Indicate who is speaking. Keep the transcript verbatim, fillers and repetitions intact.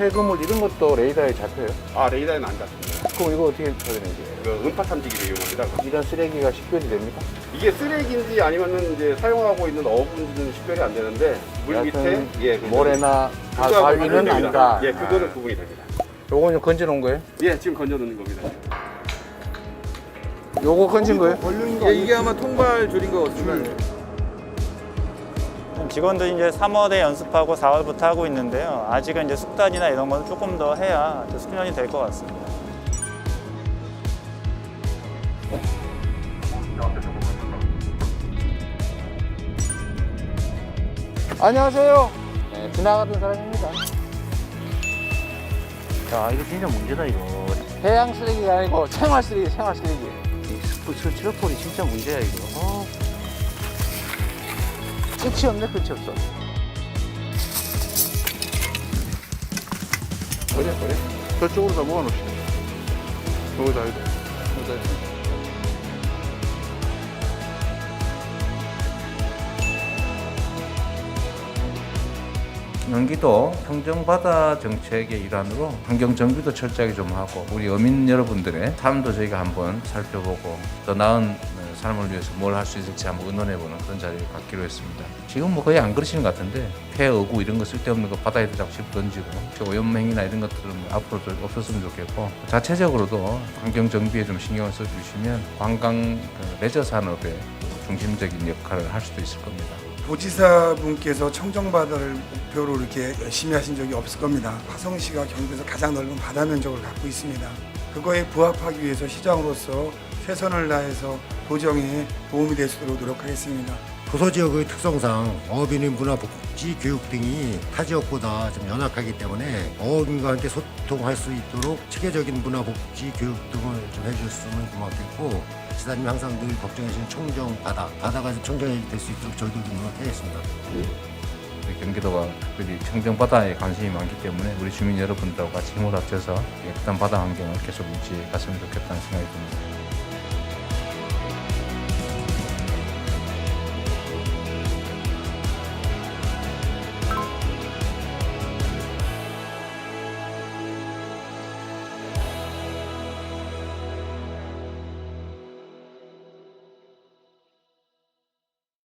Speaker 1: 폐그물 이런 것도 레이더에 잡혀요?
Speaker 2: 아, 레이더에는 안 잡힙니다.
Speaker 1: 그럼 이거 어떻게 처리되는 거예요?
Speaker 2: 그 음파 탐지기를 이용합니다.
Speaker 1: 이런 쓰레기가 식별이 됩니까?
Speaker 2: 이게 쓰레기인지 아니면은 이제 사용하고 있는 어부인지는 식별이 안 되는데 물 밑에
Speaker 1: 여하튼
Speaker 2: 예, 그
Speaker 1: 모래나 가-
Speaker 2: 그거하고
Speaker 1: 바위는
Speaker 2: 관련됩니다.
Speaker 1: 아니다.
Speaker 2: 예, 그거는
Speaker 1: 아.
Speaker 2: 구분이 됩니다.
Speaker 1: 요거는 건져 놓은 거예요?
Speaker 2: 예, 지금 건져 놓는 겁니다.
Speaker 1: 요거 건진 거예요?
Speaker 3: 예, 이게 아마 통발 줄인 거 같습니다.
Speaker 4: 직원들이 이제 삼월에 연습하고 사월부터 하고 있는데요. 아직은 이제 숙단이나 이런 건 조금 더 해야 숙련이 될 것 같습니다.
Speaker 1: 안녕하세요. 네, 지나가던 사람입니다.
Speaker 5: 야, 이거 진짜 문제다, 이거.
Speaker 1: 해양 쓰레기가 아니고 생활 쓰레기, 생활 쓰레기.
Speaker 5: 이 스프, 저 트러플이 진짜 문제야, 이거. 어.
Speaker 1: 끝이 없네, 끝이 없어. 버려, 버려. 저쪽으로 다 모아놓읍시다. 여기다, 여기다. 여기다.
Speaker 6: 경기도 평정바다 정책의 일환으로 환경 정비도 철저하게 좀 하고 우리 어민 여러분들의 삶도 저희가 한번 살펴보고 더 나은 삶을 위해서 뭘 할 수 있을지 한번 의논해보는 그런 자리를 갖기로 했습니다. 지금 뭐 거의 안 그러시는 것 같은데 폐, 어구 이런 거 쓸데없는 거 바다에다 자꾸 집 던지고 오염행위나 이런 것들은 앞으로도 없었으면 좋겠고 자체적으로도 환경 정비에 좀 신경을 써주시면 관광 레저 산업의 중심적인 역할을 할 수도 있을 겁니다.
Speaker 7: 도지사분께서 청정바다를 목표로 이렇게 열심히 하신 적이 없을 겁니다. 화성시가 경기도에서 가장 넓은 바다 면적을 갖고 있습니다. 그거에 부합하기 위해서 시장으로서 최선을 다해서 도정에 도움이 될 수 있도록 노력하겠습니다.
Speaker 8: 도서지역의 특성상 어업인의 문화복지 교육 등이 타 지역보다 좀 연약하기 때문에 어업인과 함께 소통할 수 있도록 체계적인 문화복지 교육 등을 좀 해주셨으면 고맙겠고 지사님이 항상 늘 걱정해주신 청정바다, 바다가 청정이 될 수 있도록 저희도 좀 노력하겠습니다.
Speaker 6: 우리 경기도가 특별히 청정바다에 관심이 많기 때문에 우리 주민 여러분들하고 같이 힘을 합쳐서 깨끗한 바다 환경을 계속 유지해 갔으면 좋겠다는 생각이 듭니다.